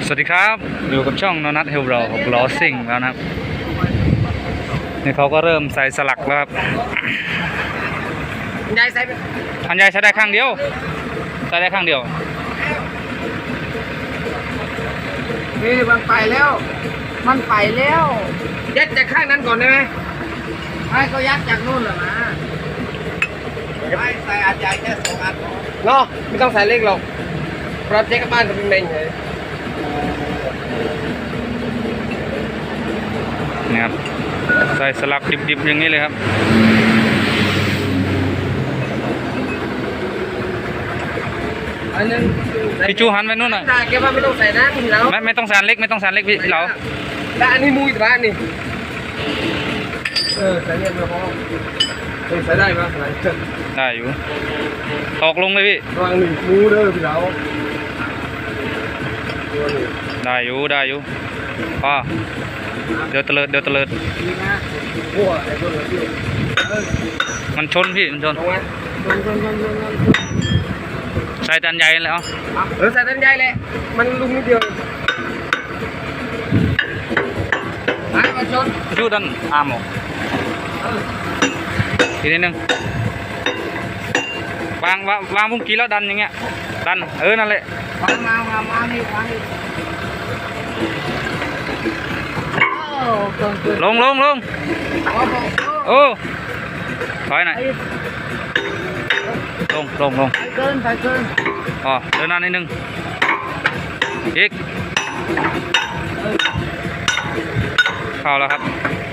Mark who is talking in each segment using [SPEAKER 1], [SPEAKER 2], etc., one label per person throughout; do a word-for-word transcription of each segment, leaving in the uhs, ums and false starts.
[SPEAKER 1] สวัสดีครับอยู่กับช่องโนนัทเฮลโรหกล้อซิ่งแล้วนะครับนี่เขาก็เริ่มใส่สลักแล้วครับ
[SPEAKER 2] ยายใส่
[SPEAKER 1] อันใหญ่ใช้ได้ข้างเดียวใช้ได้ข้างเดียว
[SPEAKER 2] นี่มันไปแล้วมันไปแล้วยัดจากข้างนั้นก่อนได้ไหมไม่ก็ยัดจากนู่นเหรอนะไม่ใส่อันใหญ่แค่สองอันเนาะไม่ต้องใส่เล็กหรอกเพราะเจ๊กับบ้านก็เป็นเมงเลย
[SPEAKER 1] นี่ครับใส่สลักดิบๆอย่างนี้เลยครับ
[SPEAKER 2] อันนึง
[SPEAKER 1] พี่จูหันไปนู่นหน่อย
[SPEAKER 2] แกว่าไม่ต้องใส่นะพี่เรา
[SPEAKER 1] ไม่ไม่ต้องสานเล็กไม่ต้องสานเล็กพี่เรา
[SPEAKER 2] แล้วอันนี้มุ้ยแต่บ้านนี่เออใส่เนี่ยมาพอใส่ได้ไหมใส่
[SPEAKER 1] ได้อยู่ตอกลงเลยพี่
[SPEAKER 2] วางหนึ่งมูเด้อพี่เรา
[SPEAKER 1] ได้อยู่ได้อยู่ป้าเดี๋ยวเตลิดเดี๋ยวเตลิดมันชนพี่มันชนใส่จานใหญ่แล้ว
[SPEAKER 2] เออใส่จานใหญ่เลยมันลุมนิดเดียวไอ้มันชน
[SPEAKER 1] ชูดันอาหมกทีนิดนึงวางวางวางมุ้งกี้แล้วดันอย่างเงี้ยดันเออนั่นแหละ
[SPEAKER 2] วางมาวางมานี่วางนี่
[SPEAKER 1] ลงลงลงโอ้ถอยหน่อยลงลงลง
[SPEAKER 2] ไปเกินไปเกิน
[SPEAKER 1] อ๋อเดินหน้านิดนึงอีกเข้าแล้วครับ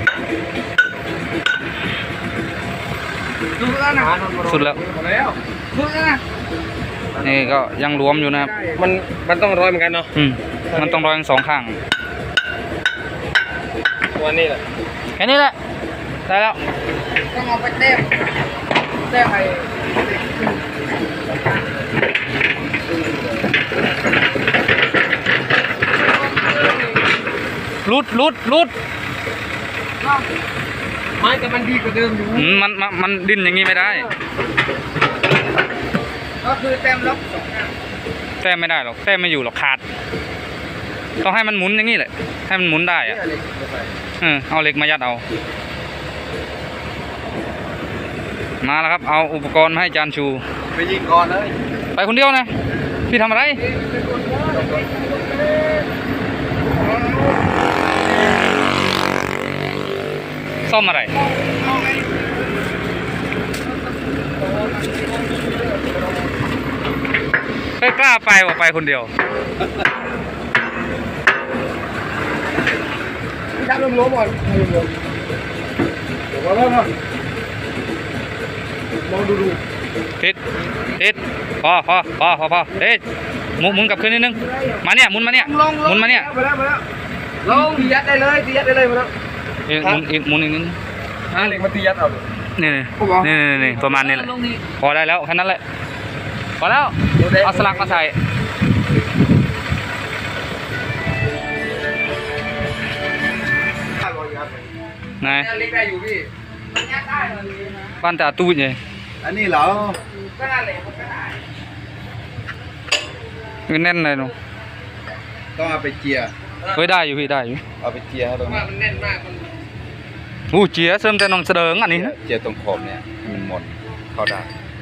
[SPEAKER 2] สุดแล้วนะ
[SPEAKER 1] สุดแล้ว
[SPEAKER 2] สุดแล้วนะ
[SPEAKER 1] นี่ก็ยังรวมอยู่นะครับ
[SPEAKER 2] มันมันต้องร้อยเหมือนกันเนาะ
[SPEAKER 1] อืมมันต้องร้อยทั้งสองข้าง
[SPEAKER 2] ตัวนี้แหละ
[SPEAKER 1] แค่นี้แหละได้แล้ว
[SPEAKER 2] ต้องเอาไปเต้มเต้มไป
[SPEAKER 1] ลุดลุดลุด
[SPEAKER 2] ไม่แต่มันดีกว่าเดิมอยู่
[SPEAKER 1] มันมันมันดิ้นอย่างนี้ไม่ได้
[SPEAKER 2] ก็คือเต็มล็อกสองข้าง
[SPEAKER 1] แต้มไม่ได้หรอกแต้มไม่อยู่หรอกขาดต้องให้มันหมุนอย่างนี้แหละให้มันหมุนได้อะเออเอาเหล็กมายัดเอามาแล้วครับเอาอุปกรณ์มาให้จานชู
[SPEAKER 2] ไปยิงก่อนเลย
[SPEAKER 1] ไปคนเดียวนะพี่ทำอะไรซ่อมอะไรไม่กล้าไปว่าไปคนเดียว
[SPEAKER 2] จับลมล้มก่อนลมล้มเดี๋ยวว่าว่าลองดูดู
[SPEAKER 1] ติดติดพอพอพอพอพอเฮ้ยหมุนหมุนกลับขึ้นนิดนึงมาเนี่ยหมุนมาเนี่ยหมุนมาเนี่ย
[SPEAKER 2] มาแล้วมาแล้วลงตียัดได้เลยตียัดได้เลยมาแล้ว
[SPEAKER 1] อีกหมุนอีกหมุนอีกนิด
[SPEAKER 2] อ่าเหล็กมาตียัดเอา
[SPEAKER 1] นี่นี่นี่นี่ประมาณนี้แหละพอได้แล้วแค่นั้นแหละพอแล้วเอาสลักมาใส่ไหนบ้านตาตู้ใหญ่
[SPEAKER 2] อันนี้เหรอก็ได้เลยก็ได้
[SPEAKER 1] มันแน่นเลยหนู
[SPEAKER 2] ต้องเอาไปเจีย
[SPEAKER 1] เฮ้ยได้อยู่พี่ได้อยู่
[SPEAKER 2] เอาไปเจียให้ตรงนี้มันแน่นมากมัน
[SPEAKER 1] อู้เจียเสริมแต่น้องเสดิงอันนี้นะ
[SPEAKER 2] เจียตรงขอบเนี่ยมันหมดเข้าได้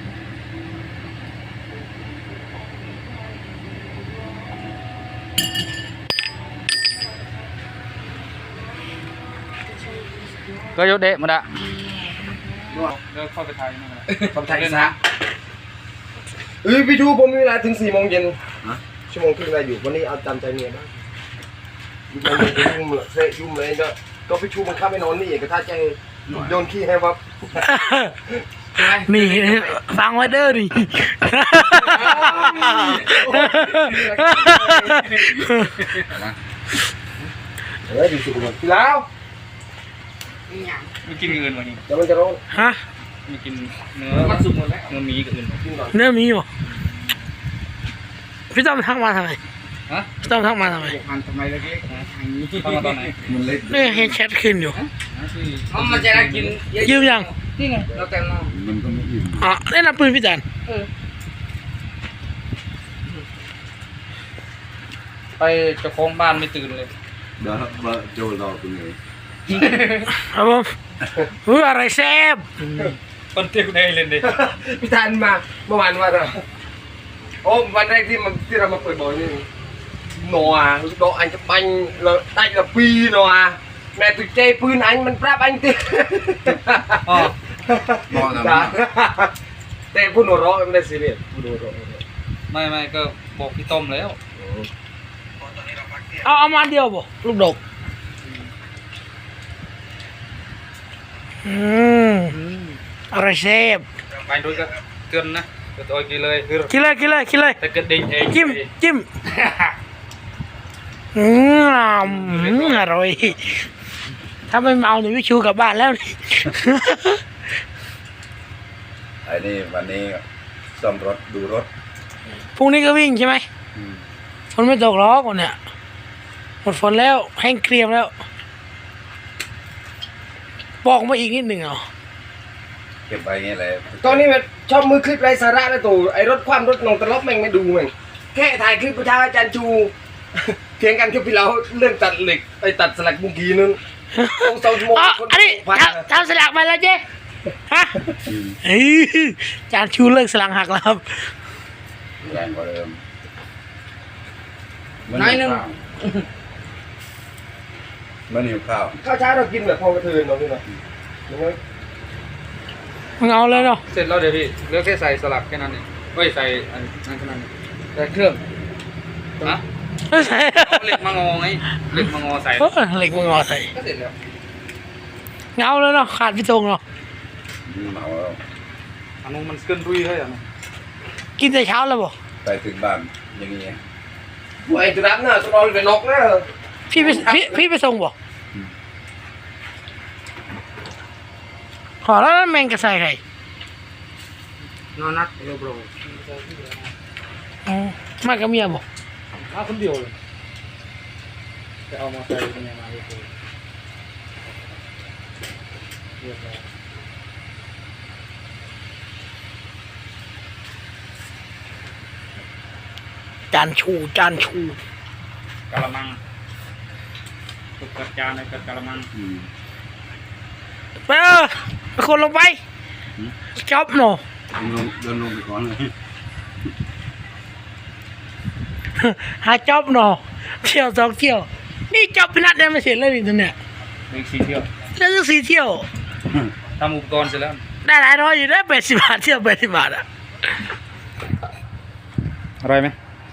[SPEAKER 1] ก็ยกเดะมาละเดินเข้าไปไทยนั่นแหละ
[SPEAKER 2] เข้าไปไทยซะเอ้ยพี่ชูผมมีเวลาถึงสี่โมงเย็นชั่วโมงครึ่งได้อยู่วันนี้เอาจำใจเมียบ้างยุ่งยุ่งเสยยุ่งเลยก็ก็พี่ชูมันข้าไปนอนนี่ก็ถ้าใจโดนขี้ให้วับ
[SPEAKER 3] นี่ฟังไว้เด้อดิ
[SPEAKER 2] เฮ้ยดีสุดเลยพี่แล้ว
[SPEAKER 1] ไม่กินเงินวันนี้
[SPEAKER 2] เดี๋ยวมันจะร้อน
[SPEAKER 3] ฮะ
[SPEAKER 1] ไม่กินเนื้อมันสุกหมดแล้วเนื้อมีกับอื่น
[SPEAKER 3] เนื้อมีบ่พี่ต้อมทักมาทำไม
[SPEAKER 1] ฮะ
[SPEAKER 3] พี่ต้อมทักมาทำไม
[SPEAKER 2] มันทำไมเล็กๆ
[SPEAKER 1] ทางนี้ทักมาตอนไหน
[SPEAKER 2] มันเล็ก
[SPEAKER 3] นี่เห็นแชทขึ้นอยู่
[SPEAKER 2] มันจะได้กิน
[SPEAKER 3] ยืมยัง
[SPEAKER 2] นี่ไงเราแต่งมา
[SPEAKER 3] มันก็ไม่ยืมอ๋อเล่นน้ำปืนพี่จัน
[SPEAKER 2] ไป
[SPEAKER 1] ไปเจ้าของบ้านไม่ตื่นเลย
[SPEAKER 4] เดี๋ยวเบอร์โจรอตรงนี้
[SPEAKER 3] ครับผมอุ้ยอะไรแซ่บ
[SPEAKER 1] คนเที่ยวได้เลยดิ
[SPEAKER 2] พี่ธันมาเมื่อวานว่าเราโอ้วันแรกที่มันที่เรามาเปิดบ่อยนี่หนัวโดอันจะบังเราได้ละปีหนัวแม่ตุเจปืนอันมันปราบอันติ
[SPEAKER 1] อ๋อ
[SPEAKER 4] มองนะ
[SPEAKER 2] แต่พูดหัวเราะไม่ได้ซีเรียสพูดหัวเราะ
[SPEAKER 1] ไม่ไม่ก็บอกพี่ต้มแล้ว
[SPEAKER 3] เอาเอามาเดียวบ่ลูกดกอืมอะไรแซ่บ
[SPEAKER 1] ไปดูก็เตือนนะก็ตัวกี่เลยคือ
[SPEAKER 3] กินเลยกินเลยกินเลย
[SPEAKER 1] แต่กระดิ่งเอง
[SPEAKER 3] จิ้มจิ้มอืมอร่อยถ้าไม่เมาหนูวิชูกลับบ้านแล้วนี่
[SPEAKER 4] ไอ้นี่วันนี้ซ่อมรถดูรถ
[SPEAKER 3] พรุ่งนี้ก็วิ่งใช่ไหม
[SPEAKER 4] อืม
[SPEAKER 3] ฝนไม่ตกหรอกวันเนี่ยหมดฝนแล้วแห้งเกรียมแล้ว บอกมาอีกนิดหนึ่งเหรอ
[SPEAKER 4] เก็บไว้อย่างเงี้ยเลย
[SPEAKER 2] ตอนนี้มันชอบมือคลิปไรสาระแล้วตู่ไอ้รถความรถนองตะลบแม่งไม่ดูแม่งแค่ถ่ายคลิปประชาอาจารย์ชูเถียงกันคลิปที่เราเรื่องตัดเหล็กไอ้ตัดสลักเมุกี้นึงต้องสองชั่วโมง
[SPEAKER 3] อ๋อ
[SPEAKER 2] คน
[SPEAKER 3] อันนี้
[SPEAKER 2] พัน
[SPEAKER 3] ทำทำสลักมาแล้วเจ๊ฮะเอ้ยจานชูเลิกสลักหักแล้วครับ
[SPEAKER 4] แรงกว่าเดิม
[SPEAKER 2] น้อยนึง
[SPEAKER 4] มันหิวข้าว
[SPEAKER 2] ข้าวเช้าเรากินแบบพอกระเทือนเราพี่เนาะยังไง
[SPEAKER 3] มึงเอาเลยเนาะ
[SPEAKER 1] เสร็จแล้วเดี๋ยวพี่เหลือกแค่ใส่สลักแค่นั้นเองเฮ้ยใส่อันนั้นแค่นั้นเองแต่เครื่องนะ
[SPEAKER 3] ไม่ใส่
[SPEAKER 1] เอาเหล็กมางอไงเหล็กมางอใส่
[SPEAKER 3] เออเหล็กมึงเอาใส่
[SPEAKER 1] ก็เสร็จแล้ว
[SPEAKER 3] เอาเลยเนาะขาดพี่ตรงเนาะ
[SPEAKER 4] เมาแล้ว
[SPEAKER 1] อันนู้นมันขึ้นรุยให้อ่ะนะ
[SPEAKER 3] กินแต่เช้าแล้วบ่
[SPEAKER 4] ไปถึงบ้านอย่างเงี้ย
[SPEAKER 2] ไอ้ตัวรับน่ะตัวรอเป็นนกนะ
[SPEAKER 3] พี่ไปพี่พี่ไปส่งบ่ขอแล้วแมงกระใส่ไข่
[SPEAKER 2] นอนนักโลโบร
[SPEAKER 3] อ๋อมากับเมียบ่
[SPEAKER 1] มาคนเดียวเลยจะเอามาใส่เป็นยังไงเลยเรียบร้อย
[SPEAKER 3] จานชูจานชู
[SPEAKER 1] กะละมังตุกกระจานในกระมัง
[SPEAKER 4] อืม
[SPEAKER 3] ไปเออไปคนลงไปจ๊อบเนาะ
[SPEAKER 4] เดินลงเดินลงไปก่อนเลย
[SPEAKER 3] หาจ๊อบเนาะเที่ยวสองเที่ยวนี่จ๊อบพินัทเนี่ยไม่เสร็จเลยนี่ตัวเนี่ย
[SPEAKER 1] เล็กสีเที่ยว
[SPEAKER 3] แล้วจะสี่เที่ยว
[SPEAKER 1] ทำอุปกรณ์เสร็จแล้ว
[SPEAKER 3] ได้หลายร้อยอยู่ได้แปดสิบบาทเที่ยวแปดสิบบาทอะ
[SPEAKER 1] อร่อยไหม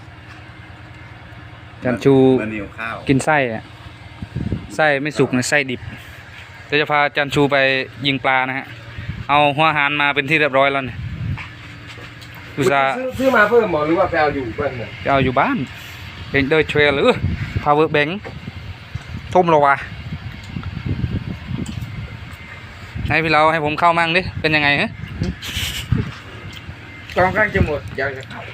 [SPEAKER 1] จันชู
[SPEAKER 4] มันหิวข้าว
[SPEAKER 1] กินไส้อะไส้ไม่สุกนะไส้ดิบเดี๋ยวจะพาจันชูไปยิงปลานะฮะเอาหัวหารมาเป็นที่เรียบร้อยแล้วเนี่ยอุตส่าห์
[SPEAKER 2] ซื้อซื้อมาเพิ่มหมอหรือว่าไปเอาอยู่เพื่อนเนี่ย
[SPEAKER 1] จะเอาอยู่บ้านเป็นเดอร์เทรลหรือ power bank ทุ่มโลวะให้พี่เราให้ผมเข้ามั่งดิเป็นยังไงฮะ
[SPEAKER 2] กองข้างจะหมดอยากจะเข้า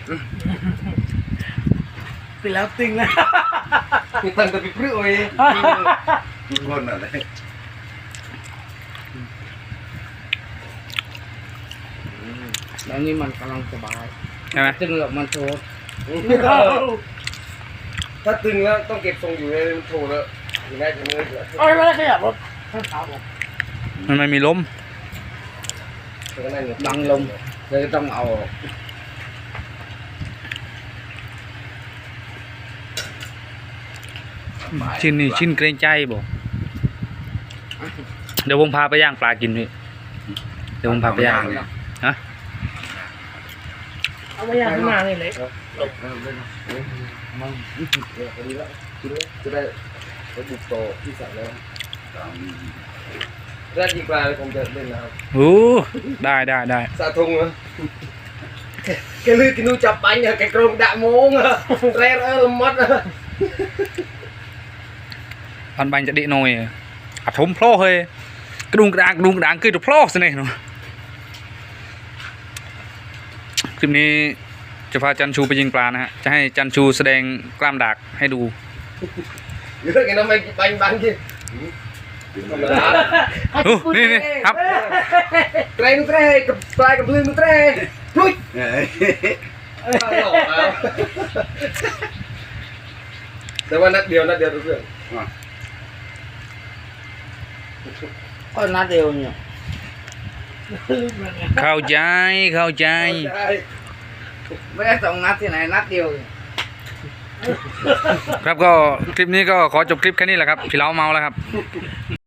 [SPEAKER 3] ไปแล้วตึงแล้ว
[SPEAKER 2] มีตังค์แต่ไปพรื้เอ้ย
[SPEAKER 4] ทุกคนอะไร
[SPEAKER 2] แล้วนี่มันกำลังสบาย
[SPEAKER 1] ใช่ไหม
[SPEAKER 2] ตึงแล้วมันโชว์ถ้าตึงแล้วต้องเก็บทรงอยู่ในมันโชว์แล้วอย่างไรจะเนื้อเหลือ
[SPEAKER 3] เอาไม่ได้ขยับรถข้างขาผม
[SPEAKER 1] มันไม่มีลม
[SPEAKER 2] ดังลมเลยต้องเอา
[SPEAKER 1] ชิ้นนี่ชิ้นเกรงใจบ่เดี๋ยวผมพาไปย่างปลากินพี่เดี๋ยวผมพาไปย่างฮะ
[SPEAKER 3] เอามาย่างข้างหน้านี่เลย
[SPEAKER 2] มันดีแล้วจะได้ไปบุกโตที่สั่งแล้วแรกยิงปลาเลยผมจะเล่นนะครับ
[SPEAKER 1] โอ้ได้ได้ได้
[SPEAKER 2] สาธงนะแกลือกินนูจับปังอะแกกรงด่าโมงอะแร่เออลมัดอะ
[SPEAKER 1] พันบังจะดีหน่อยอัดทมโพลเฮ้ยกระดุงกระดางกระดุงกระดางคือตัวโพลสิเนี่ยเนาะคลิปนี้จะพาจันชูไปยิงปลานะฮะจะให้จันชูแสดงกล้ามดากให้ดู
[SPEAKER 2] เยอะแกน้ำไม่ปังบังที่ธรรมดา
[SPEAKER 1] โอ้นี่นี่ครับ
[SPEAKER 2] เตรนุเตรกับปลายกับลืมนุเตรพุ้ย
[SPEAKER 4] เอ้ย
[SPEAKER 2] หลอกเอาแต่ว่านัดเดียวนัดเดียวทุกเรื่อง
[SPEAKER 4] อ่ะ
[SPEAKER 2] ก็นัดเดียวเนี่ย
[SPEAKER 1] เข้าใจเข้าใจ
[SPEAKER 2] ไม่ได้สองนัดที่ไหนนัดเดียว
[SPEAKER 1] ครับก็คลิปนี้ก็ขอจบคลิปแค่นี้แหละครับพี่เล้าเมาแล้วครับ